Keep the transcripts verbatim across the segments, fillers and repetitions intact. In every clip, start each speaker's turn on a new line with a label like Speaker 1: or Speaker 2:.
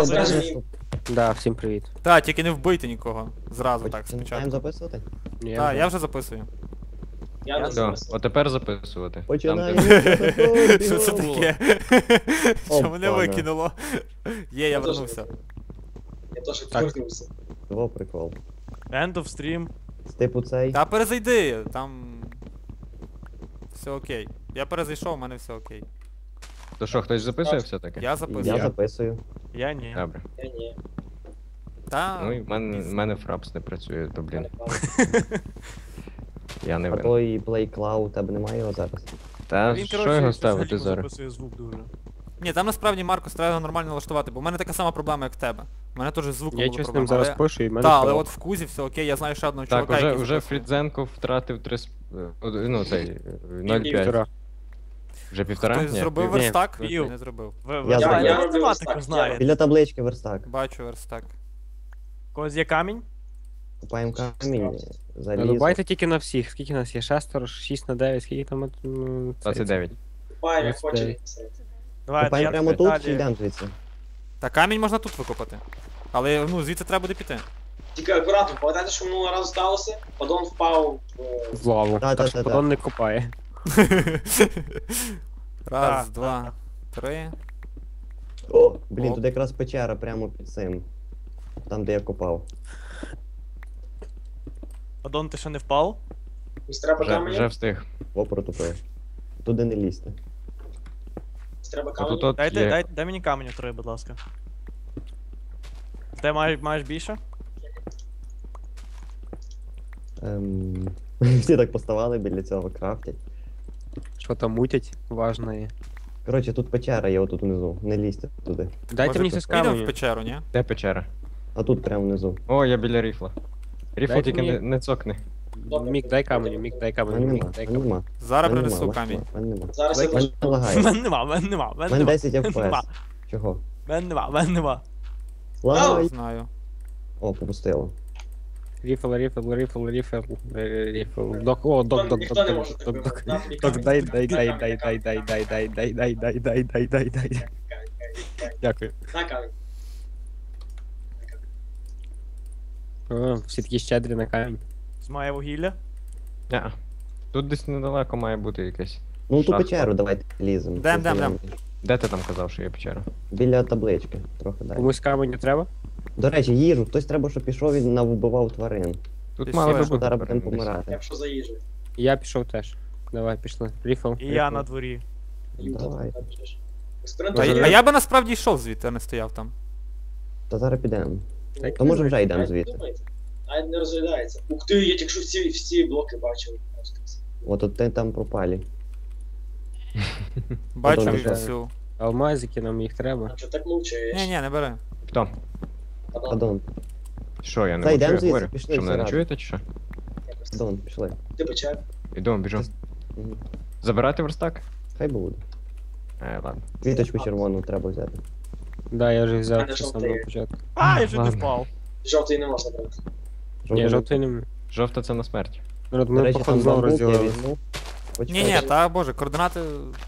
Speaker 1: записуємо?
Speaker 2: Скажи,
Speaker 3: Да, всім привіт.
Speaker 1: Та, тільки не вбийте нікого. Зразу так,
Speaker 4: Починаємо
Speaker 1: спочатку.
Speaker 4: записувати?
Speaker 3: Ні,
Speaker 1: Так, я вже записую.
Speaker 2: Я не
Speaker 5: Все,
Speaker 2: записую.
Speaker 5: от тепер записувати. Там,
Speaker 4: Починаємо.
Speaker 5: де...
Speaker 1: Що це таке? Що мене
Speaker 4: Опана.
Speaker 1: викинуло? Є, я
Speaker 2: Я теж
Speaker 1: вернувся.
Speaker 2: Я теж
Speaker 3: Так.
Speaker 2: повернувся.
Speaker 4: Во прикол.
Speaker 6: End of stream.
Speaker 4: З типу цей.
Speaker 1: Та перезайди, там... Все окей. Я перезайшов, у мене все окей.
Speaker 5: То що, хтось записує все-таки?
Speaker 1: Я
Speaker 4: Я
Speaker 1: записую.
Speaker 4: записую.
Speaker 6: Я ні.
Speaker 5: Добре.
Speaker 2: Я ні.
Speaker 1: Та...
Speaker 5: Ну і в мене, в мене фрапс не працює, то блін, я не
Speaker 4: А
Speaker 5: винен.
Speaker 4: той PlayCloud, у тебе немає його зараз?
Speaker 5: Та
Speaker 6: Він,
Speaker 5: що
Speaker 6: коротше,
Speaker 5: його
Speaker 6: щось
Speaker 5: ставити
Speaker 6: галімо
Speaker 5: зараз?
Speaker 6: записує звук дуже.
Speaker 1: Ні, там насправді, Маркус, треба його нормально налаштувати, бо в мене така сама проблема, як в тебе. У мене теж з звуком
Speaker 3: Я
Speaker 1: була
Speaker 3: щось з
Speaker 1: проблема.
Speaker 3: ним зараз
Speaker 1: але-
Speaker 3: пишу і в мене
Speaker 1: Та, але
Speaker 3: впало.
Speaker 1: от в Кузі все окей, я знаю ще одного
Speaker 5: Так,
Speaker 1: чувака,
Speaker 5: уже,
Speaker 1: який
Speaker 5: уже
Speaker 1: записує.
Speaker 5: Фрідзенко втратив три, с- е, од- ну цей, е, нуль п'ять.
Speaker 3: Півтора.
Speaker 5: Вже півтора?
Speaker 1: Хтось
Speaker 5: Ні,
Speaker 1: зробив
Speaker 5: пів-
Speaker 3: Ні,
Speaker 1: верстак?
Speaker 6: пів.
Speaker 1: Ні, не зробив.
Speaker 6: Ви, ви
Speaker 4: Я
Speaker 6: я,
Speaker 4: зробив.
Speaker 6: я
Speaker 2: Я роблю
Speaker 6: математику
Speaker 2: верстак,
Speaker 6: знаєте.
Speaker 4: Біля таблички верстак.
Speaker 1: Бачу верстак.
Speaker 6: Когось є камінь?
Speaker 4: Купаємо камінь,
Speaker 3: Ну,
Speaker 4: залізо.
Speaker 3: Рубайте тільки на всіх. Скільки нас є? Шестеро, шість на дев'ять, скільки там? ну, це-
Speaker 5: двадцять дев'ять.
Speaker 2: Пані
Speaker 3: Ось
Speaker 2: хоче.
Speaker 3: цей.
Speaker 6: Давайте,
Speaker 4: Купаємо
Speaker 6: я
Speaker 4: прямо тут
Speaker 6: далі.
Speaker 4: чи йдемо звідси?
Speaker 1: Та камінь можна тут викопати. Але, ну, звідси треба буде піти.
Speaker 2: Тільки акуратно, пам'ятаєте, що минулого разу сталося? Подон впав е,
Speaker 3: В лаву.
Speaker 4: Та, та,
Speaker 3: Так що
Speaker 4: та, та.
Speaker 3: подон не копає.
Speaker 1: Раз,
Speaker 6: Так,
Speaker 1: два, три.
Speaker 4: О, блін,
Speaker 1: Оп.
Speaker 4: тут якраз печера прямо під цим. Там, де я копав.
Speaker 6: Адон, ти ще не впав?
Speaker 2: Ось треба
Speaker 5: Вже, вже
Speaker 2: камінь.
Speaker 5: встиг.
Speaker 4: О, протупив. Туди не лізьте.
Speaker 2: Ось треба
Speaker 5: Отут
Speaker 2: камінь.
Speaker 5: от
Speaker 6: Дайте,
Speaker 5: є.
Speaker 6: дай, дай мені каменю три, будь ласка. Ти маєш, маєш більше?
Speaker 4: Ем... Всі так поставали біля цього крафтять.
Speaker 3: Що там мутять? Важно є.
Speaker 4: Коротше, тут печера є отут внизу. Не лізьте туди.
Speaker 3: Дайте
Speaker 1: Може,
Speaker 3: мені щось
Speaker 1: підемо в
Speaker 3: каменю.
Speaker 1: печеру, ні?
Speaker 5: Де печера?
Speaker 4: А тут прямо внизу.
Speaker 5: О, я біля ріфла. Ріфл
Speaker 3: Дайте
Speaker 5: тільки
Speaker 3: мені-
Speaker 5: не, не цокни.
Speaker 3: Мік, дай каменю, мік, дай
Speaker 4: У
Speaker 3: каменю,
Speaker 4: мене
Speaker 3: мік,
Speaker 4: нема,
Speaker 3: дай
Speaker 4: в мене
Speaker 3: каменю.
Speaker 4: нема.
Speaker 1: Зараз
Speaker 4: В мене
Speaker 1: принесу
Speaker 4: нема,
Speaker 1: камінь.
Speaker 4: в мене нема.
Speaker 2: Зараз я
Speaker 4: В мене
Speaker 2: теж.
Speaker 4: не
Speaker 6: В
Speaker 4: лагає.
Speaker 6: мене нема, в мене нема, в
Speaker 4: В
Speaker 6: мене
Speaker 4: мене
Speaker 6: нема.
Speaker 4: десять еф пі
Speaker 6: Нема.
Speaker 4: ес. Чого?
Speaker 6: В мене нема, в мене нема.
Speaker 4: Лагай.
Speaker 1: Знаю.
Speaker 4: О, попустило.
Speaker 3: Ріфл, ріфл, ріфл, ріфл, е, ріфл. Док, о, док, док,
Speaker 2: Ніхто
Speaker 3: док,
Speaker 2: не
Speaker 3: док,
Speaker 2: може так
Speaker 3: док, док.
Speaker 2: вибрати. На, тобі
Speaker 3: Док,
Speaker 2: камінь.
Speaker 3: дай, дай, дай,
Speaker 2: На
Speaker 3: дай,
Speaker 2: камінь,
Speaker 3: дай, дай, дай, дай, дай, дай, дай, дай, дай, дай, дай.
Speaker 2: камінь, камінь, камінь.
Speaker 3: Дякую.
Speaker 2: На камінь.
Speaker 3: О, всі такі щедрі на камінь.
Speaker 6: З моє вугілля.
Speaker 5: Ня. Тут десь недалеко має бути якесь.
Speaker 4: Ну ту
Speaker 5: Шахта.
Speaker 4: печеру давайте ліземо.
Speaker 1: Дем, дем, дем.
Speaker 5: Де ти там казав, що є печера?
Speaker 4: Біля таблички. Трохи далі.
Speaker 3: Комусь каменю треба?
Speaker 4: До речі, їжу. Хтось треба, щоб пішов і навбивав тварин.
Speaker 5: Тут
Speaker 1: Ти
Speaker 5: мало
Speaker 1: що,
Speaker 5: би
Speaker 4: Що
Speaker 5: бути.
Speaker 4: зараз будемо
Speaker 5: перед десь.
Speaker 4: помирати.
Speaker 2: Якщо за їжею.
Speaker 3: Я пішов теж. Давай, пішли. Ріфл.
Speaker 6: І я на дворі.
Speaker 4: Давай.
Speaker 1: А, я- а я би насправді йшов звідти, а не стояв там.
Speaker 4: Та зараз підемо.
Speaker 3: Так,
Speaker 4: То може вже йдемо звідти.
Speaker 2: Навіть не розглядається. Ух ти, я тільки що всі, всі блоки бачив.
Speaker 4: От от ти там пропалі.
Speaker 1: Бачу
Speaker 4: Подон
Speaker 1: і
Speaker 4: вже.
Speaker 1: всю.
Speaker 3: Алмазики, нам їх треба.
Speaker 2: А що так мовчаєш?
Speaker 1: Ні, ні, не бери.
Speaker 5: Хто?
Speaker 4: Адон,
Speaker 5: Що, я не
Speaker 4: Та йдемо
Speaker 5: можу, я
Speaker 4: звідси,
Speaker 5: говорю.
Speaker 4: пішли
Speaker 5: Що, мене не
Speaker 4: всі
Speaker 5: чуєте чи що?
Speaker 4: Адон, пішли.
Speaker 2: Ти печер.
Speaker 5: Іду, біжу.
Speaker 4: Мгм.
Speaker 5: Забирати верстак?
Speaker 4: Хай буде.
Speaker 5: Е, ладно.
Speaker 4: Квіточку червону треба взяти.
Speaker 3: Да, я вже взяв
Speaker 2: Мене
Speaker 3: це
Speaker 2: жовтий.
Speaker 3: самого початку.
Speaker 6: А, я чуть не
Speaker 5: Ладно.
Speaker 6: впав.
Speaker 2: Жовтий не можна брати.
Speaker 3: Ні, жовтий не.
Speaker 5: Жовта це на смерть.
Speaker 3: Народ,
Speaker 4: До
Speaker 3: ми
Speaker 4: речі,
Speaker 3: походу
Speaker 4: там
Speaker 3: знову
Speaker 4: бамбук я
Speaker 3: розділили.
Speaker 4: візьму.
Speaker 1: Ні, ні, та боже, координати.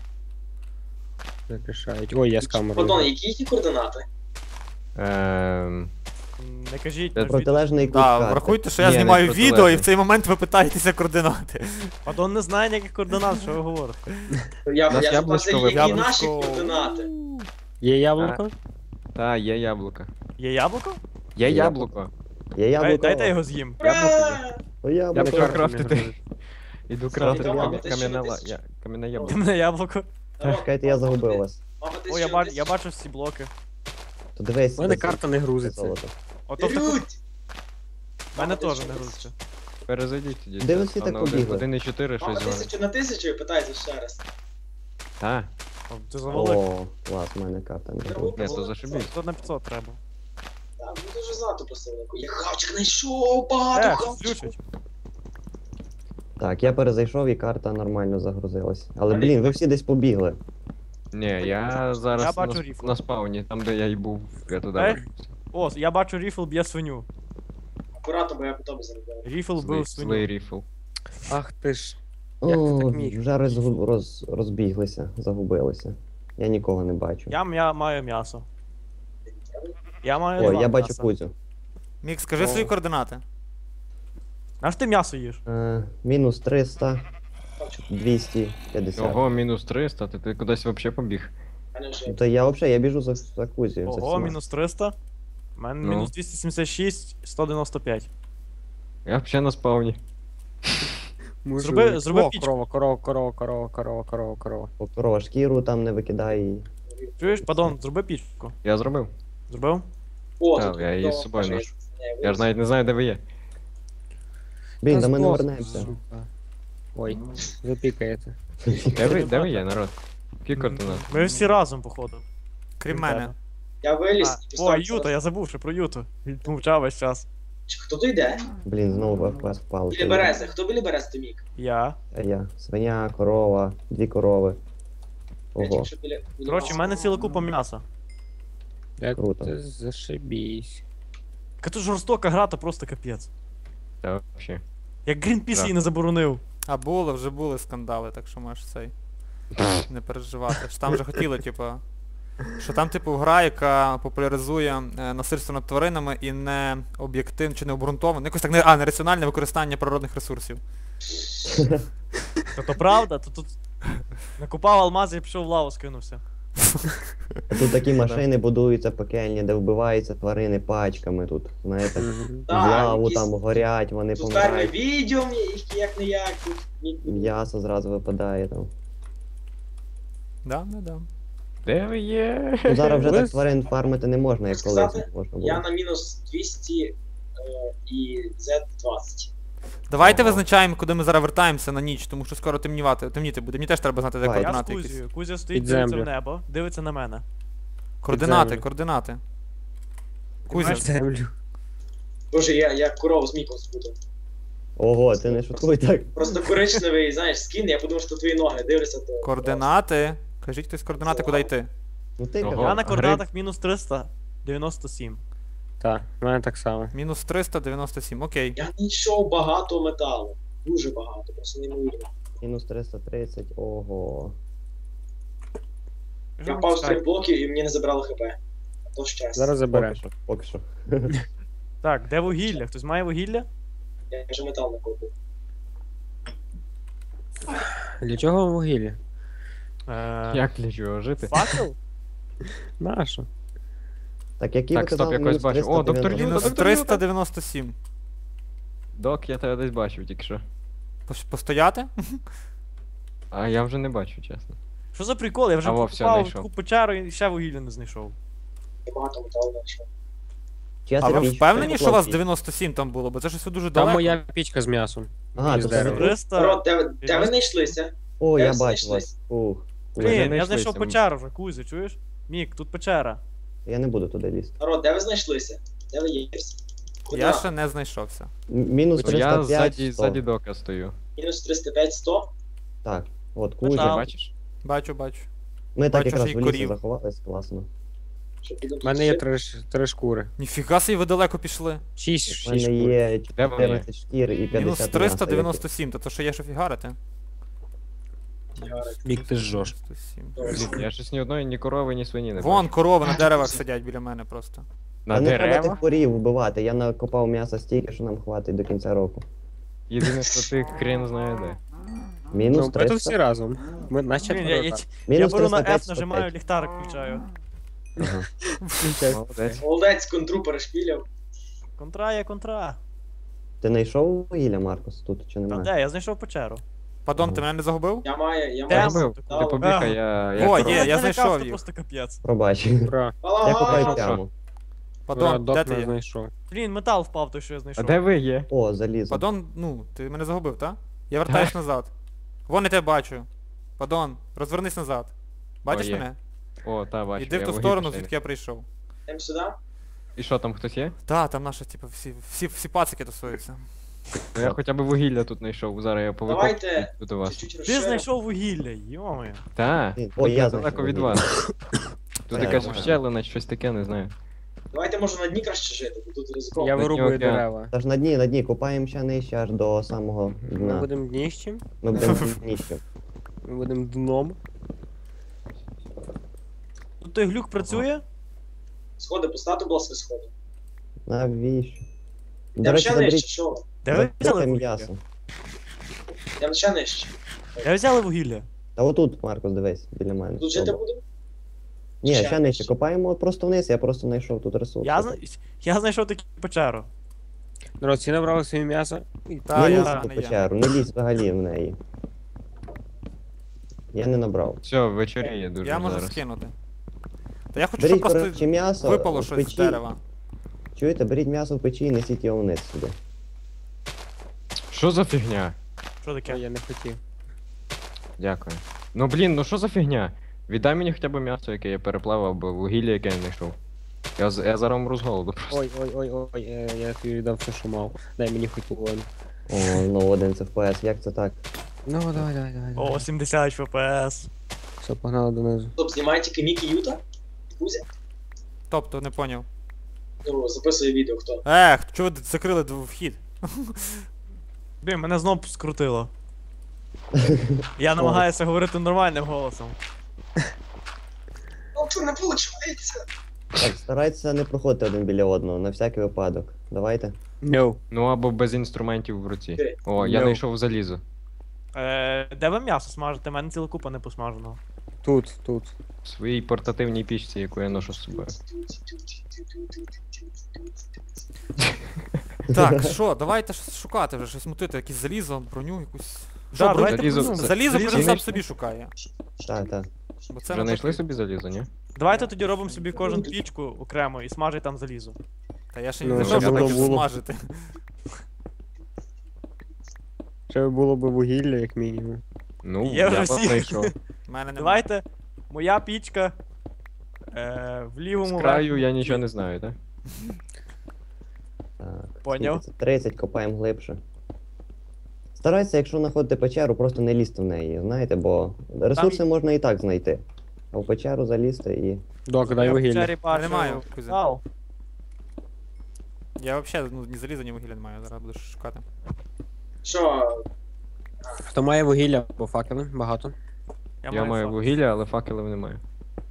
Speaker 3: Як рішають. Ой, я з
Speaker 2: Пардон,
Speaker 3: камерою.
Speaker 2: які їхні координати?
Speaker 5: Ем...
Speaker 6: М, Не кажіть,
Speaker 5: Це
Speaker 6: на від-
Speaker 4: Протилежний кут
Speaker 1: Так,
Speaker 4: карти.
Speaker 1: врахуйте, що я
Speaker 5: Ні, не
Speaker 1: знімаю відео і в
Speaker 5: протилежний.
Speaker 1: цей момент ви питаєтеся координати.
Speaker 6: Адон не знає ніяких координат, що ви говорите.
Speaker 2: Я,
Speaker 5: Нас
Speaker 2: я
Speaker 5: яблучко
Speaker 2: запитався, які
Speaker 5: випало.
Speaker 2: наші
Speaker 1: Яблучко.
Speaker 2: координати?
Speaker 3: Є яблуко?
Speaker 5: Та, є яблуко.
Speaker 6: Є яблуко?
Speaker 5: Є
Speaker 4: Яблуко.
Speaker 5: яблуко.
Speaker 4: Є
Speaker 6: Дай,
Speaker 4: яблуко.
Speaker 6: дайте його з'їм.
Speaker 5: Яблуко є.
Speaker 2: Ура!
Speaker 4: О,
Speaker 5: Я
Speaker 4: яблуко.
Speaker 5: почав крафтити.
Speaker 3: не
Speaker 5: Іду
Speaker 2: Слава
Speaker 5: крафтити
Speaker 2: Богу,
Speaker 5: кам'я-
Speaker 2: ти ще
Speaker 5: кам'яне
Speaker 2: не
Speaker 5: ла-
Speaker 2: тисячу.
Speaker 5: я- кам'яне
Speaker 6: Ти
Speaker 5: яблуко.
Speaker 6: мене яблуко.
Speaker 4: Чекайте, я загубив вас.
Speaker 2: Мама, ти
Speaker 6: О, я,
Speaker 2: що,
Speaker 6: бач,
Speaker 2: ти
Speaker 6: я
Speaker 2: що?
Speaker 6: бачу всі блоки.
Speaker 4: То дивись.
Speaker 3: У мене
Speaker 4: десь
Speaker 3: карта не грузиться.
Speaker 4: золото.
Speaker 6: Ото в таку...
Speaker 2: Беруть!
Speaker 6: В мене
Speaker 2: Мама, ти
Speaker 6: теж
Speaker 2: що,
Speaker 6: не
Speaker 2: ти
Speaker 6: грузиться.
Speaker 5: Перезайдіть тоді.
Speaker 4: Де ви
Speaker 5: це
Speaker 4: всі так
Speaker 5: на один-
Speaker 4: побігли?
Speaker 5: один і чотири
Speaker 2: Мама,
Speaker 5: щось зелене.
Speaker 2: тисячу на тисячу і питається ще раз.
Speaker 5: Та,
Speaker 6: О, Ти завалив.
Speaker 4: О, клас, в мене карта не грузиться.
Speaker 5: ні, то зашибіть.
Speaker 6: Тут на п'ятсот треба.
Speaker 2: Так, ну дуже знато посилку. Я хавчик знайшов, багато
Speaker 6: Е, щось
Speaker 2: хавчиків.
Speaker 6: включить.
Speaker 4: Так, я перезайшов і карта нормально загрузилась. Але
Speaker 2: Але-
Speaker 4: блін, ви всі десь побігли.
Speaker 5: Ні, я зараз
Speaker 6: Я бачу
Speaker 5: на,
Speaker 6: ріфл.
Speaker 5: на спауні, там де я й був, я туди
Speaker 6: Е?
Speaker 5: вернувся.
Speaker 6: О, я бачу ріфл б'є свиню.
Speaker 2: Акуратно, бо я по тобі заробляю.
Speaker 6: Ріфл
Speaker 5: Злий,
Speaker 6: бив
Speaker 5: злий
Speaker 6: свиню.
Speaker 5: ріфл.
Speaker 3: Ах ти ж. Як ти
Speaker 4: О,
Speaker 3: так міг?
Speaker 4: вже роз, роз, розбіглися, загубилися. Я нікого не бачу.
Speaker 6: Я, я маю м'ясо. Я маю
Speaker 4: О,
Speaker 6: два
Speaker 4: я бачу
Speaker 6: м'яса.
Speaker 4: Кузю.
Speaker 1: Мік, скажи
Speaker 6: О.
Speaker 1: свої координати.
Speaker 6: А ж ти м'ясо їш?
Speaker 4: Е, мінус триста, двісті п'ятдесят.
Speaker 5: Ого, мінус триста, ти, ти кудись взагалі побіг.
Speaker 2: У мене вже
Speaker 4: Ну, то я взагалі, я біжу за, за Кузю. за
Speaker 6: Ого,
Speaker 4: всіма.
Speaker 6: мінус триста. У мене
Speaker 5: Ну.
Speaker 6: мінус двісті сімдесят шість, сто дев'яносто п'ять.
Speaker 5: Я взагалі на спавні.
Speaker 6: Зроби- зроби
Speaker 3: О,
Speaker 6: пічку.
Speaker 3: корова, корова, корова, корова, корова, корова, корова.
Speaker 4: О, корова, шкіру там не викидай. і-
Speaker 6: Чуєш, падон, зроби пічку.
Speaker 5: Я зробив.
Speaker 6: Зробив?
Speaker 2: О,
Speaker 5: Так,
Speaker 2: тут
Speaker 5: я її з
Speaker 2: то
Speaker 5: собою
Speaker 2: вже
Speaker 5: ношу.
Speaker 2: не
Speaker 5: Я ж навіть не знаю, де ви є.
Speaker 4: Блін,
Speaker 3: Та
Speaker 4: до мене
Speaker 3: здох,
Speaker 4: вернемося.
Speaker 3: сука. Ой, ви пікаєте.
Speaker 5: Де ви, де ви є, народ? Які координати?
Speaker 6: Ми всі разом, походу.
Speaker 1: Крім
Speaker 6: Крім
Speaker 1: мене.
Speaker 6: тебе.
Speaker 2: Я виліз
Speaker 6: А,
Speaker 2: і
Speaker 6: О,
Speaker 2: поставив
Speaker 6: Юта,
Speaker 2: зараз.
Speaker 6: я забув ще про Юту. Мовчав весь час.
Speaker 2: Чи Хто то йде?
Speaker 4: Блін, знову еф пі ес впав.
Speaker 2: Біля берези. Хто біля берези, то мік?
Speaker 6: Я.
Speaker 4: А я. Свиня, корова, дві корови.
Speaker 2: Я
Speaker 4: Ого.
Speaker 2: тільки що біля... біля
Speaker 6: Коротше, в
Speaker 2: вас.
Speaker 6: мене ціла купа м'яса.
Speaker 3: Як
Speaker 4: Круто.
Speaker 3: ти зашибісь.
Speaker 6: Яка тут жорстока гра, то просто капець.
Speaker 5: Та взагалі.
Speaker 6: Як Грінпіс
Speaker 5: Так.
Speaker 6: її не заборонив.
Speaker 1: А було, вже були скандали, так що можеш цей. Не переживати. Що там вже хотіли, типу. Що там, типу, гра, яка популяризує е, насильство над тваринами і не об'єктивне чи не обґрунтоване. Якось так не. А, нераціональне використання природних ресурсів.
Speaker 6: То то правда, то тут накупав алмази і пішов в лаву скинувся.
Speaker 4: А тут такі машини будуються пекельні, де вбиваються тварини пачками тут. Знаєте, в
Speaker 2: Так,
Speaker 4: лаву
Speaker 2: якісь-
Speaker 4: там горять, вони
Speaker 2: Тут ферми
Speaker 4: помирають.
Speaker 2: відео мені, їх як не як. Тут ні-
Speaker 4: М'ясо зразу випадає там.
Speaker 1: Да, да, да.
Speaker 5: Де ви є?
Speaker 4: Ну зараз вже так
Speaker 3: Лис?
Speaker 4: тварин фармити не можна, як колись
Speaker 2: Сказати,
Speaker 4: можна
Speaker 2: Я
Speaker 4: було.
Speaker 2: на мінус двісті е, і зет двадцять.
Speaker 1: Давайте
Speaker 5: Ага.
Speaker 1: визначаємо, куди ми зараз вертаємося на ніч, тому що скоро темнівати. Темніти буде. Мені теж треба знати, де
Speaker 4: Давай.
Speaker 6: Я з
Speaker 1: координати якісь.
Speaker 6: Кузією. Кузя стоїть,
Speaker 3: Під
Speaker 6: дивиться в
Speaker 3: землю.
Speaker 6: небо, дивиться на мене.
Speaker 1: Координати,
Speaker 3: землю.
Speaker 1: координати.
Speaker 6: Ти
Speaker 1: Кузя.
Speaker 6: маєш-
Speaker 3: Землю.
Speaker 2: Боже, я, я корову з міком спутав.
Speaker 4: Ого, ти не шуткуй так.
Speaker 2: Просто коричневий, знаєш, скін, я подумав, що твої ноги дивлюся, то...
Speaker 1: Координати. Кажіть хтось координати, куди йти.
Speaker 4: Ну ти
Speaker 5: Ого.
Speaker 6: Я
Speaker 4: казав.
Speaker 6: на
Speaker 5: гриб.
Speaker 6: координатах мінус триста дев'яносто сім.
Speaker 3: Так, в мене так само.
Speaker 1: Мінус триста дев'яносто сім, окей.
Speaker 2: Я знайшов багато металу. Дуже багато, просто неймовірно.
Speaker 4: Мінус триста тридцять, ого.
Speaker 2: Я впав з трьох блоків і мені не забрали хп. А то щастя.
Speaker 3: Зараз
Speaker 4: Поки
Speaker 3: забереш.
Speaker 4: що, поки що.
Speaker 6: Так, де вугілля? Хтось має вугілля?
Speaker 2: Я вже метал накопив.
Speaker 3: Для чого вам вугілля?
Speaker 6: Е,
Speaker 5: Як для чого жити?
Speaker 6: Факел?
Speaker 3: Нащо?
Speaker 4: Так, які
Speaker 5: Так,
Speaker 4: ви
Speaker 5: стоп,
Speaker 4: казали,
Speaker 5: якось
Speaker 4: мінус
Speaker 5: бачу. О, доктор
Speaker 4: триста
Speaker 5: Юта,
Speaker 1: Мінус
Speaker 5: доктор
Speaker 1: триста
Speaker 5: Юта.
Speaker 1: дев'яносто сім.
Speaker 5: Док, я тебе десь бачив тільки що.
Speaker 1: Пос- Постояти?
Speaker 5: А я вже не бачу, чесно.
Speaker 6: Що за прикол? Я вже
Speaker 5: А, во, все,
Speaker 6: покупав
Speaker 5: знайшов.
Speaker 6: таку печеру і ще вугілля не знайшов.
Speaker 2: Я багато металу знайшов.
Speaker 4: Чия
Speaker 1: А
Speaker 4: це
Speaker 1: ви
Speaker 4: піч?
Speaker 1: впевнені,
Speaker 4: Це
Speaker 1: що у вас
Speaker 4: хлопці.
Speaker 1: дев'яносто сім там було? Бо це щось дуже
Speaker 3: Там
Speaker 1: далеко.
Speaker 3: моя пічка з м'ясом.
Speaker 4: Ага,
Speaker 3: Із
Speaker 4: то
Speaker 3: дерева.
Speaker 4: це...
Speaker 6: триста.
Speaker 2: Народ, де, ви- де ви знайшлися?
Speaker 4: О,
Speaker 2: Де
Speaker 4: я
Speaker 2: ви
Speaker 4: бачу
Speaker 2: знайшлись?
Speaker 4: вас. Ух.
Speaker 5: Ми
Speaker 6: Блін, я
Speaker 5: знайшлися,
Speaker 6: знайшов
Speaker 5: ми-
Speaker 6: печеру вже, Кузя, чуєш? Мік, тут печера.
Speaker 4: Я не буду туди лізти.
Speaker 2: Народ, де ви знайшлися? Де ви є? Куди?
Speaker 1: Я ще не знайшовся.
Speaker 4: М- Мінус
Speaker 5: Я
Speaker 4: триста п'ять,
Speaker 5: ззаді,
Speaker 4: сто.
Speaker 5: ззаді дока стою.
Speaker 2: Мінус триста п'ять, сто.
Speaker 4: Так, от
Speaker 6: Метал.
Speaker 5: Ти
Speaker 4: Кузя.
Speaker 5: бачиш?
Speaker 1: Бачу, бачу.
Speaker 4: Ми так
Speaker 1: Бачу,
Speaker 4: якраз
Speaker 1: що
Speaker 4: в
Speaker 1: й
Speaker 4: лісі
Speaker 1: корів.
Speaker 4: заховались, класно.
Speaker 2: Щоб підемо
Speaker 3: У мене є
Speaker 2: тут
Speaker 3: три, ш- три шкури.
Speaker 1: Ніфіга собі ви далеко пішли.
Speaker 3: Шість,
Speaker 4: У
Speaker 3: шість
Speaker 4: мене
Speaker 3: шкур.
Speaker 4: є
Speaker 5: Де вони?
Speaker 4: чотирнадцять шкір і п'ятдесят
Speaker 1: Мінус
Speaker 4: м'яса,
Speaker 1: триста дев'яносто сім, то то що є що фігарити?
Speaker 3: Мік, ти жжош.
Speaker 1: дев'яносто сім.
Speaker 5: Я щось ні одної, ні корови, ні свині не
Speaker 1: Вон
Speaker 5: бачу.
Speaker 1: корови на деревах сидять біля мене просто.
Speaker 5: На
Speaker 4: Та не треба
Speaker 5: дерева?
Speaker 4: тих корів вбивати, я накопав м'яса стільки, що нам хватить до кінця року.
Speaker 5: Єдине, що ти хрен знає де.
Speaker 4: Мінус
Speaker 3: Ну, ми тут всі
Speaker 4: триста.
Speaker 3: разом. Ми наче
Speaker 6: Блін, я, я, я
Speaker 4: Мінус
Speaker 6: беру на
Speaker 4: триста п'ять,
Speaker 6: F, нажимаю,
Speaker 4: сто п'ять.
Speaker 6: ліхтарик включаю.
Speaker 4: Ага.
Speaker 5: Молодець.
Speaker 2: Молодець, контру перешпіляв.
Speaker 6: Контра є контра.
Speaker 4: Ти знайшов вугілля, Маркус, тут чи
Speaker 6: Та
Speaker 4: немає?
Speaker 6: де, я знайшов печеру.
Speaker 1: Падон, ти мене не загубив?
Speaker 2: Я маю, я
Speaker 6: Де?
Speaker 2: маю.
Speaker 5: Зробив. Ти
Speaker 2: металу.
Speaker 5: побігай, я... я
Speaker 1: О,
Speaker 5: корова.
Speaker 1: є, я
Speaker 6: налякав,
Speaker 1: знайшов
Speaker 6: це
Speaker 1: їх.
Speaker 6: просто капець.
Speaker 4: Пробач.
Speaker 3: Ура.
Speaker 4: Я
Speaker 2: Балаган!
Speaker 4: копаю
Speaker 5: що?
Speaker 4: прямо.
Speaker 1: Падон,
Speaker 3: Док
Speaker 1: де ти
Speaker 3: не
Speaker 1: є?
Speaker 3: знайшов.
Speaker 6: Блін, метал впав той, що я
Speaker 5: А
Speaker 6: знайшов.
Speaker 5: де ви є?
Speaker 4: О, залізо.
Speaker 1: Падон, ну, ти мене загубив, так? Я вертаюсь назад. Вон я тебе бачу. Падон, розвернись назад. Бачиш
Speaker 5: О, є.
Speaker 1: мене?
Speaker 5: О, та, бачу.
Speaker 1: Іди в
Speaker 5: я
Speaker 1: ту
Speaker 5: вугілля
Speaker 1: сторону,
Speaker 5: ще-
Speaker 1: звідки я прийшов.
Speaker 2: Йдемо сюди.
Speaker 5: І що, там хтось є?
Speaker 1: Та, там наші, типу, всі, всі, всі пацики тусуються.
Speaker 5: Ну, я хоча б вугілля тут знайшов, зараз я
Speaker 2: Давайте
Speaker 5: повикопаю до вас.
Speaker 2: чуть-чуть
Speaker 6: Ти
Speaker 2: розширимо.
Speaker 6: знайшов вугілля, йомаю.
Speaker 5: Та,
Speaker 4: Ні,
Speaker 5: тут
Speaker 4: о, я
Speaker 5: недалеко
Speaker 4: знайшов
Speaker 5: від
Speaker 4: вугілля.
Speaker 5: вас. Тут
Speaker 4: Та,
Speaker 5: якась
Speaker 4: нормально.
Speaker 5: ущелина, щось таке, не знаю.
Speaker 2: Давайте може на дні краще жити, бо тут ризиковано.
Speaker 3: Я
Speaker 5: дні
Speaker 3: вирубую
Speaker 5: океан.
Speaker 3: дерева.
Speaker 4: Та ж на дні, на дні, копаємо ще нижче аж до самого
Speaker 3: Ми
Speaker 4: дна.
Speaker 3: будемо дніщем,
Speaker 4: Ми будемо нижче.
Speaker 3: ми будемо дном.
Speaker 6: Тут той глюк працює?
Speaker 2: Сходи, поставте, будь ласка, сходи.
Speaker 4: Навіщо? До
Speaker 2: Я
Speaker 4: речі,
Speaker 2: ще нижче,
Speaker 4: заберіть
Speaker 2: що? ви?
Speaker 6: Де ви
Speaker 4: заберіть
Speaker 6: взяли вугілля?
Speaker 4: м'ясо.
Speaker 2: Я ще нижче.
Speaker 6: Де ви взяли вугілля?
Speaker 4: Та отут, Маркус, дивись, біля мене.
Speaker 2: Тут жити
Speaker 4: Добре.
Speaker 2: будемо?
Speaker 4: Ні,
Speaker 2: ще
Speaker 4: ще нижче.
Speaker 2: нижче.
Speaker 4: Копаємо от просто вниз, я просто знайшов тут ресурс.
Speaker 6: Я, зна... я знайшов таку печеру.
Speaker 3: Народ, всі набрали собі м'ясо.
Speaker 1: Та,
Speaker 4: не
Speaker 1: я
Speaker 4: лізь
Speaker 1: не
Speaker 4: в
Speaker 1: я.
Speaker 4: печеру, не лізь взагалі в неї. Я не набрав.
Speaker 5: Все, вечоріє дуже
Speaker 1: Я можу
Speaker 5: зараз.
Speaker 1: скинути. Та я хочу,
Speaker 4: Беріть,
Speaker 1: щоб
Speaker 4: коротше,
Speaker 1: просто
Speaker 4: м'ясо
Speaker 1: випало
Speaker 4: в
Speaker 1: щось з
Speaker 4: печі.
Speaker 1: дерева.
Speaker 4: Чуєте, беріть м'ясо в печі і несіть його вниз сюди.
Speaker 5: Що за фігня?
Speaker 6: Що
Speaker 3: Ой,
Speaker 6: таке?
Speaker 3: я не хотів.
Speaker 5: Дякую. Ну блін, ну що за фігня? Віддай мені хоча б м'ясо, яке я переплавав, або вугілля, яке я знайшов. Я, з- я зараз умру з голоду просто.
Speaker 3: Ой, ой, ой, ой, е, я тобі віддав все, що мав. Дай мені хоч половину.
Speaker 4: О, ну один це еф пі ес, як це так?
Speaker 3: Ну, давай, давай, давай. давай.
Speaker 6: О, сімдесят еф пі ес.
Speaker 3: Все, погнали донизу.
Speaker 2: Стоп, знімає тільки Мікі Юта? Кузя?
Speaker 1: Тобто, не поняв.
Speaker 2: Ну, записує відео, хто.
Speaker 1: Ех, чого ви закрили дв- вхід?
Speaker 6: Блін, мене знов скрутило. Я намагаюся говорити нормальним голосом.
Speaker 2: Ну, що не виходить?
Speaker 4: Так, старайтеся не проходити один біля одного, на всякий випадок. Давайте.
Speaker 3: No.
Speaker 5: Ну або без інструментів в руці.
Speaker 2: Окей.
Speaker 5: О, я
Speaker 3: No.
Speaker 5: знайшов залізо.
Speaker 6: Е, де ви м'ясо смажите? У мене ціла купа не посмаженого.
Speaker 3: Тут, тут.
Speaker 5: В своїй портативній пічці, яку я ношу з собою.
Speaker 1: Так, що, давайте щось шукати вже, щось мутити, якесь залізо, броню, якусь.
Speaker 6: Да,
Speaker 1: Що, броню?
Speaker 6: давайте
Speaker 5: Залізо-
Speaker 6: броню.
Speaker 1: Залізо кожен сам
Speaker 5: знайшли?
Speaker 1: собі шукає.
Speaker 4: Так, так.
Speaker 1: Бо це
Speaker 5: Вже
Speaker 1: не
Speaker 5: знайшли
Speaker 1: потрібно.
Speaker 5: собі залізо, ні?
Speaker 6: Давайте тоді робимо собі кожен пічку окремо і смажить там залізо.
Speaker 1: Та я ще
Speaker 3: Ну,
Speaker 1: не знайшов,
Speaker 3: щоб
Speaker 1: що
Speaker 3: було-
Speaker 1: таке
Speaker 3: було.
Speaker 1: смажити.
Speaker 3: Ще було б вугілля, як мінімум.
Speaker 5: Ну,
Speaker 6: Є
Speaker 5: я
Speaker 6: вже
Speaker 5: вас
Speaker 6: всі.
Speaker 5: знайшов.
Speaker 1: У мене немає.
Speaker 6: Давайте, моя пічка. Е, в
Speaker 5: З
Speaker 6: лівому
Speaker 5: краю
Speaker 6: верхньому
Speaker 5: я
Speaker 6: куті.
Speaker 5: нічого не знаю, так?
Speaker 4: Так.
Speaker 6: Поняв.
Speaker 4: скільки це? тридцять, копаємо глибше. Старайтеся, якщо знаходите печеру, просто не лізти в неї, знаєте, бо ресурси можна і так знайти. А в печеру залізти і.
Speaker 3: Док, дай
Speaker 6: Я в
Speaker 3: вугілля.
Speaker 6: печері бачу
Speaker 1: немає, Кузя.
Speaker 6: зал.
Speaker 1: Я взагалі ну, ні заліза, ні вугілля не маю, зараз буду шукати.
Speaker 2: Що?
Speaker 3: Хто має вугілля або факели? Багато.
Speaker 5: Я маю
Speaker 6: факел.
Speaker 5: вугілля, але факелів не маю.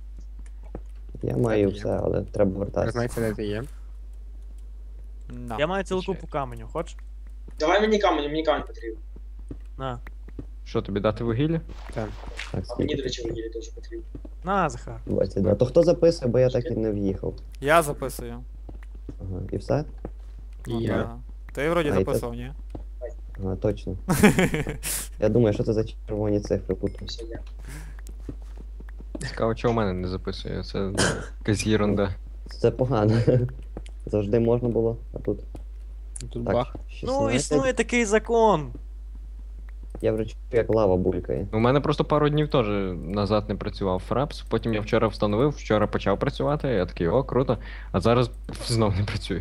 Speaker 4: Я маю
Speaker 3: є.
Speaker 4: все, але треба вертатися.
Speaker 3: Знаєте, де ти є?
Speaker 1: На.
Speaker 6: Я маю цілу
Speaker 5: Чекай.
Speaker 6: купу каменю, хочеш?
Speaker 2: Давай мені камінь, мені камінь потрібен.
Speaker 6: На.
Speaker 5: Що, тобі дати вугілля?
Speaker 4: Так,
Speaker 2: А мені,
Speaker 4: скільки?
Speaker 2: до речі, вугілля теж потрібно.
Speaker 6: На, Захар.
Speaker 4: двадцять два. То хто записує, бо я так і не в'їхав.
Speaker 1: Я записую.
Speaker 4: Ага, і все?
Speaker 1: Ну,
Speaker 3: Я.
Speaker 1: да. Ти вроді
Speaker 4: А, і
Speaker 1: записував, ні?
Speaker 4: Ага, точно. Я думаю, що це за червоні цифри тут.
Speaker 2: Все, я.
Speaker 5: Цікаво, чого в мене не записує. Це ну, якась єрунда.
Speaker 4: Це погано. Завжди можна було, а тут.
Speaker 3: Тут
Speaker 4: Так,
Speaker 3: бах.
Speaker 6: Ну,
Speaker 4: шістнадцять.
Speaker 6: існує такий закон.
Speaker 4: Я вже чую, як лава булькає.
Speaker 5: У мене просто пару днів теж назад не працював фрапс, потім я вчора встановив, вчора почав працювати, я такий, о, круто, а зараз знов не працює.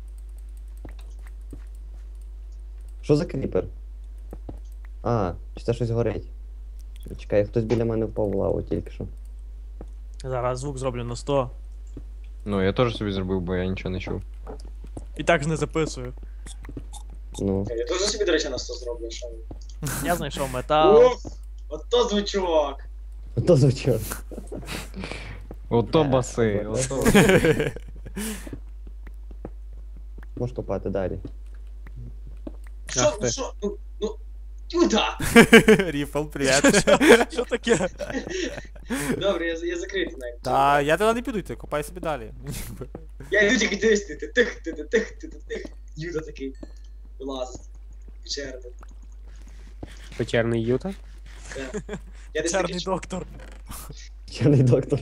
Speaker 4: Що за кріпер? А, чи це щось горить? Чекай, хтось біля мене впав в лаву тільки що.
Speaker 6: Зараз звук зроблю на сто.
Speaker 5: Ну, я теж собі зробив, бо я нічого не чув.
Speaker 6: І так ж не записую.
Speaker 4: Ну.
Speaker 2: Я теж собі, до речі, на сто зроблю, що.
Speaker 6: Я знайшов метал.
Speaker 2: Уф! Ото звучок!
Speaker 4: То звучало.
Speaker 5: Ото
Speaker 4: Е,
Speaker 5: баси,
Speaker 4: добре.
Speaker 5: ото.
Speaker 4: Можеш копати далі.
Speaker 2: Що,
Speaker 3: Ах ти.
Speaker 2: що? Ну, ну, Юда!
Speaker 1: Ріфл, привіт.
Speaker 6: Що таке?
Speaker 2: Добре, я, я закритий навіть.
Speaker 1: Та я туди не піду йти, копай собі далі.
Speaker 2: Я йду тільки дивись, ти ти тих, ти ти тих, ти ти тих. Юда такий. Вилазить. Печерний.
Speaker 3: Печерний юта.
Speaker 2: Да. Я десь такий
Speaker 6: Чарний
Speaker 2: чув.
Speaker 6: доктор.
Speaker 4: Чорний доктор.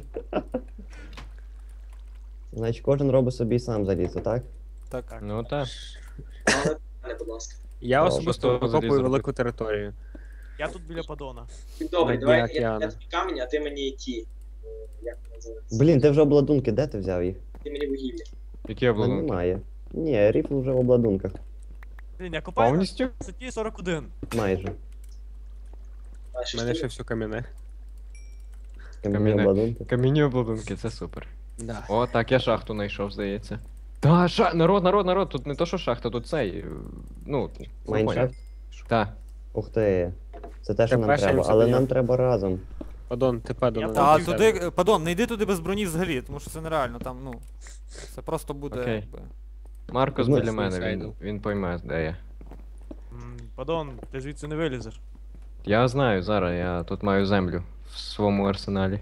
Speaker 4: Значить, кожен робить собі сам залізо, так?
Speaker 1: Так.
Speaker 5: Ну так.
Speaker 2: Але не, будь ласка.
Speaker 3: Я
Speaker 4: О,
Speaker 3: особисто
Speaker 5: просто
Speaker 3: викопую
Speaker 5: залізо
Speaker 3: велику територію.
Speaker 6: Я тут біля падона.
Speaker 2: Добре,
Speaker 3: На
Speaker 2: давай
Speaker 3: дні
Speaker 2: я, я
Speaker 3: океану.
Speaker 2: тобі камінь, а ти мені ті. е, Як вони називаються?
Speaker 4: Блін, ти вже обладунки, де ти взяв їх?
Speaker 2: Ти мені вугілля.
Speaker 5: Які
Speaker 4: А,
Speaker 5: обладунки?
Speaker 4: немає. Ні, ріфл вже в обладунках.
Speaker 6: Блін, я копаю на
Speaker 5: Повністю?
Speaker 6: висоті сорок один.
Speaker 4: Майже.
Speaker 2: А,
Speaker 3: У
Speaker 2: що
Speaker 3: мене
Speaker 2: ж
Speaker 3: ще
Speaker 2: ти?
Speaker 3: все кам'яне.
Speaker 4: Кам'яні
Speaker 5: Кам'яне.
Speaker 4: обладунки.
Speaker 5: Камінні обладунки, це супер.
Speaker 3: Да.
Speaker 5: О, так, я шахту знайшов, здається. Та, ша... народ, народ, народ, тут не то, що шахта, тут цей. е, Ну, ви поняли.
Speaker 4: Майншафт?
Speaker 5: Так.
Speaker 4: Ух ти. Це те, що
Speaker 3: Це
Speaker 4: нам
Speaker 3: перше,
Speaker 4: треба,
Speaker 3: чим
Speaker 4: але
Speaker 3: собі
Speaker 4: нам
Speaker 3: я-
Speaker 4: треба разом.
Speaker 3: Падон, ти падон.
Speaker 6: Я
Speaker 3: не
Speaker 1: Та
Speaker 6: Там
Speaker 1: туди, е, падон, не йди туди без броні взагалі, тому що це нереально, там, ну. Це просто буде,
Speaker 5: Окей.
Speaker 1: якби.
Speaker 5: Маркус
Speaker 4: Ну,
Speaker 5: біля мене, він,
Speaker 3: суїсайду.
Speaker 5: він пойме, де я.
Speaker 6: М, Падон, ти звідси не вилізеш.
Speaker 5: Я знаю зараз, я тут маю землю в своєму арсеналі.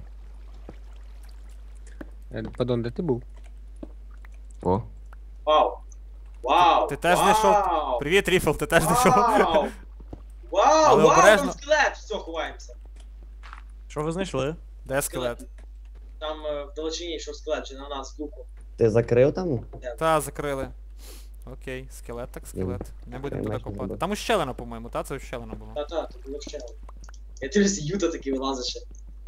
Speaker 3: Е, Падон, де ти був?
Speaker 5: О.
Speaker 2: Вау. Вау.
Speaker 1: Ти теж
Speaker 2: вау.
Speaker 1: знайшов? Привіт, Ріфл, ти теж знайшов?
Speaker 2: Вау. Вау,
Speaker 1: Але
Speaker 2: вау,
Speaker 1: обережно.
Speaker 2: там скелет. Все, ховаємося.
Speaker 6: Що ви знайшли?
Speaker 1: Де скелет?
Speaker 2: Там е, в далечині йшов скелет, чи на нас луку.
Speaker 4: Ти закрив там?
Speaker 1: Та, закрили. Окей, скелет так скелет. Не будемо
Speaker 4: Я
Speaker 1: туди
Speaker 4: майже
Speaker 1: копати.
Speaker 4: забув.
Speaker 1: Там ущелина, по-моєму, та? Це ущелина була.
Speaker 2: Та-та, тут було ще. Я дивлюся, Юта такий вилазить ще.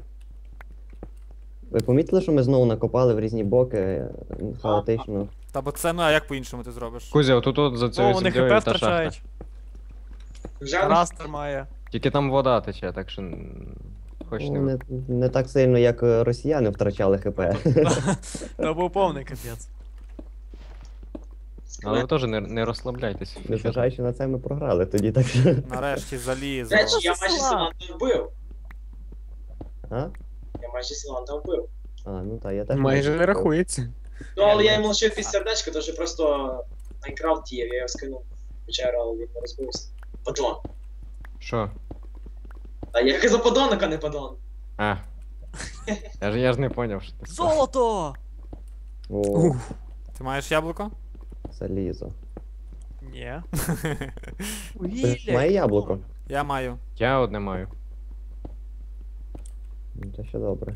Speaker 4: Ви помітили, що ми знову накопали в різні боки е, хаотично?
Speaker 1: Та бо це, ну а як по-іншому ти зробиш?
Speaker 5: Кузя, отут от за
Speaker 6: О,
Speaker 5: цією
Speaker 6: вони
Speaker 5: землею
Speaker 6: хп
Speaker 5: та шахта.
Speaker 6: втрачають.
Speaker 2: Вже
Speaker 6: Растер має.
Speaker 5: Тільки там вода тече, так що м, хоч
Speaker 4: Ну,
Speaker 5: не.
Speaker 4: не, не так сильно, як е, росіяни втрачали ХП.
Speaker 6: Це був повний капець.
Speaker 5: Але ви
Speaker 2: скелет.
Speaker 5: теж не, не розслабляйтесь.
Speaker 4: Незважаючи на це, ми програли тоді, так що.
Speaker 1: Нарешті залізо.
Speaker 2: До речі, я
Speaker 6: Це
Speaker 2: майже
Speaker 6: села.
Speaker 2: Силанта вбив.
Speaker 4: А?
Speaker 2: Я майже Силанта вбив.
Speaker 4: А, ну так, я теж.
Speaker 3: Майже не
Speaker 4: бачив.
Speaker 3: рахується.
Speaker 2: Ну, але я йому лишив під сердечко, то що просто Майнкрафт діяв, я його скинув в печеру, але він не розбився. Падон.
Speaker 5: Що?
Speaker 2: А я казав подонок, а не падон.
Speaker 5: А. Я ж, я ж не поняв, що ти сказав.
Speaker 6: Золото!
Speaker 4: О,
Speaker 1: Ти маєш яблуко?
Speaker 4: залізо.
Speaker 6: Ні.
Speaker 4: Ти має яблуко?
Speaker 1: Я маю.
Speaker 5: Я одне маю.
Speaker 4: Ну, це ще добре.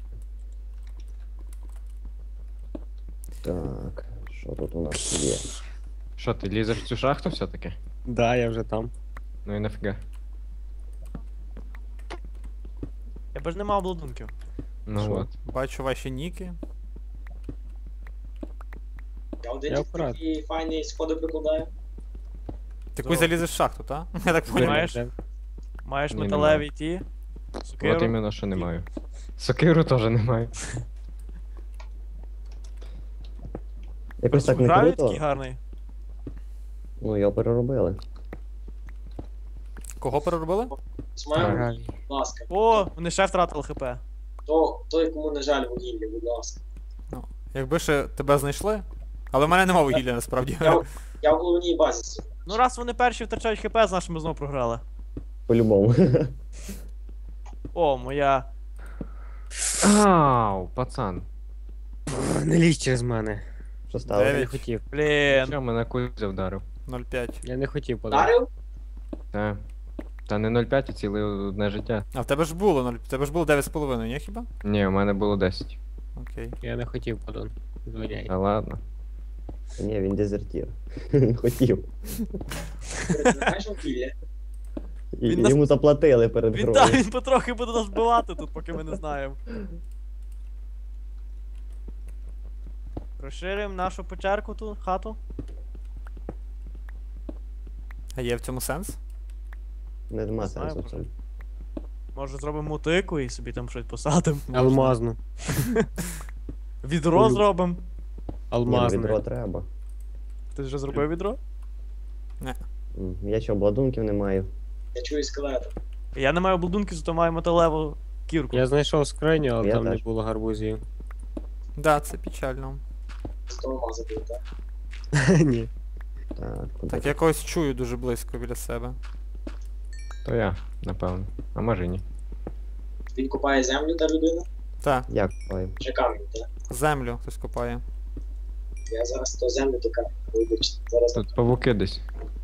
Speaker 4: Так, що тут у нас є?
Speaker 5: Що, ти лізеш в цю шахту все-таки?
Speaker 3: Да, я вже там.
Speaker 5: Ну і нафіга.
Speaker 6: Я б ж не мав обладунків.
Speaker 5: Ну
Speaker 4: Що?
Speaker 5: от.
Speaker 1: Бачу ваші ніки.
Speaker 2: Я один
Speaker 3: Я
Speaker 2: тільки
Speaker 3: вправ.
Speaker 2: такі файні сходи прикладаю.
Speaker 1: Ти
Speaker 6: Золото.
Speaker 1: куди залізеш в шахту, та? Я так
Speaker 6: Ти
Speaker 1: поняв.
Speaker 6: маєш?
Speaker 3: Де?
Speaker 6: Маєш
Speaker 5: Ні,
Speaker 6: металеві ті.
Speaker 5: От
Speaker 6: Сокиру.
Speaker 5: іменно, що не маю. Сокиру теж не маю.
Speaker 4: Якось так не
Speaker 6: Гравій такий
Speaker 4: круто.
Speaker 6: гарний.
Speaker 4: Ну, його переробили.
Speaker 1: Кого переробили?
Speaker 2: З моєму,
Speaker 3: Гравій.
Speaker 2: будь ласка.
Speaker 6: О, вони ще втратили хп.
Speaker 2: То, той, кому не жаль вугілля, будь ласка.
Speaker 1: Якби ще тебе знайшли. Але в мене нема вугілля насправді.
Speaker 2: Я, я в головній базі сиджу.
Speaker 6: Ну раз вони перші втрачають хп, значить ми знову програли.
Speaker 4: По-любому.
Speaker 6: О, моя.
Speaker 5: Ау, пацан.
Speaker 3: Не лізь через мене.
Speaker 4: Що
Speaker 3: Я
Speaker 4: стало?
Speaker 3: не
Speaker 1: Дев'ять.
Speaker 3: хотів.
Speaker 6: Блін.
Speaker 5: Що, мене Кузя вдарив?
Speaker 1: нуль п'ять.
Speaker 3: Я не хотів падон.
Speaker 2: Дарив?
Speaker 5: Та. Та не нуль п'ять, а ціле одне життя.
Speaker 1: А в тебе ж було нуль. В тебе ж було дев'ять з половиною, ні хіба?
Speaker 5: Ні, у мене було десять.
Speaker 1: Окей.
Speaker 3: Я не хотів падон. Звоняй.
Speaker 5: Та ладно.
Speaker 4: Ні, він дезертір. Він хотів.
Speaker 2: Ти знаєш вугілля?
Speaker 4: І,
Speaker 6: Він нас-
Speaker 4: Йому заплатили перед
Speaker 6: Він,
Speaker 4: грою.
Speaker 6: та, він потрохи буде нас вбивати тут, поки ми не знаємо. Розширюємо нашу печерку ту, хату.
Speaker 1: А є в цьому сенс?
Speaker 4: Нема
Speaker 6: Не знаю,
Speaker 4: сенсу в
Speaker 6: може.
Speaker 4: цьому.
Speaker 6: Може зробимо мотику і собі там щось посадимо.
Speaker 3: Алмазну.
Speaker 6: Відро
Speaker 3: Ой.
Speaker 6: зробимо.
Speaker 4: Ні, ну, відро
Speaker 3: Алмазну.
Speaker 4: треба.
Speaker 6: Ти вже зробив відро?
Speaker 4: М, Я ще обладунків не маю.
Speaker 2: Я чую скелета.
Speaker 6: Я не маю обладунки, зато маю металеву кірку.
Speaker 3: Я знайшов скриню, але
Speaker 4: Я
Speaker 3: там не
Speaker 4: теж.
Speaker 3: було гарбузів.
Speaker 1: Да, це печально.
Speaker 2: З того маза був, так?
Speaker 3: Ні.
Speaker 4: Так, куди?
Speaker 1: Так я когось чую дуже близько біля себе.
Speaker 5: То я, напевно. А може ні.
Speaker 2: Він копає землю, та людина?
Speaker 1: Так,
Speaker 4: Я купаю.
Speaker 2: Чи камінь, так?
Speaker 1: землю хтось копає.
Speaker 2: Я зараз то землю, то камінь. Вибачте. Зараз.
Speaker 5: Тут павуки десь.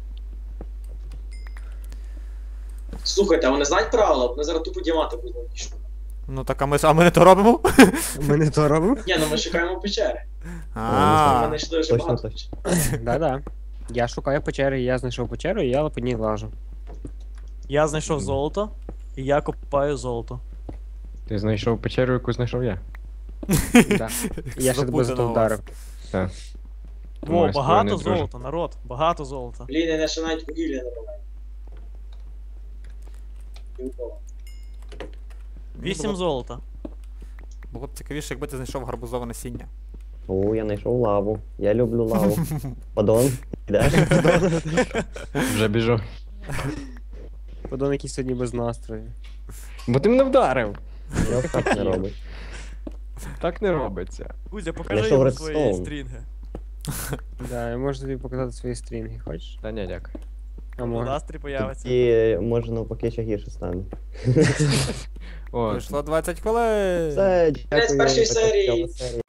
Speaker 2: Слухайте, а вони знають правила? Вони зараз тупо діамати будуть пішли.
Speaker 1: Ну так а ми, а ми не то робимо?
Speaker 3: Ми не то робимо?
Speaker 2: Ні, ну ми шукаємо печери. Ми
Speaker 1: А,
Speaker 2: знайшли вже
Speaker 4: точно,
Speaker 2: багато
Speaker 4: точно.
Speaker 2: печер.
Speaker 3: Да-да. Я шукаю печери, я знайшов печеру, і я по ній лажу.
Speaker 6: Я знайшов золото, і я копаю золото.
Speaker 5: Ти знайшов печеру, яку знайшов я.
Speaker 3: Да. І я ще тебе за
Speaker 1: Запутано
Speaker 3: то
Speaker 1: у вас.
Speaker 3: вдарив.
Speaker 5: Так.
Speaker 6: О,
Speaker 5: Тому я з тобою
Speaker 6: багато
Speaker 5: не дружу.
Speaker 6: золота, народ, багато золота.
Speaker 2: Блін, я ще навіть вугілля не маю. Нікого.
Speaker 6: Вісім
Speaker 1: було,
Speaker 6: золота.
Speaker 1: було б цікавіше, якби ти знайшов гарбузове насіння.
Speaker 4: О, я знайшов лаву. Я люблю лаву. Падон, йдеш?
Speaker 5: Вже біжу.
Speaker 3: Падон якийсь сьогодні без настрою.
Speaker 5: Бо ти мене вдарив.
Speaker 4: Так не робить.
Speaker 5: Так не робиться.
Speaker 6: Кузя, покажи
Speaker 4: Знайшов
Speaker 6: йому свої
Speaker 4: редстоун.
Speaker 6: стрінги.
Speaker 3: Да, я можу тобі показати свої стрінги, хочеш?
Speaker 5: Та ні, дякую.
Speaker 3: А
Speaker 6: У
Speaker 3: може.
Speaker 6: настрій появиться.
Speaker 4: І може навпаки ще гірше стане.
Speaker 5: О,
Speaker 1: Пройшло двадцять хвилин.
Speaker 4: Все,
Speaker 2: Кінець
Speaker 4: дякую.
Speaker 2: першої
Speaker 4: така
Speaker 2: серії.
Speaker 4: цікава серія.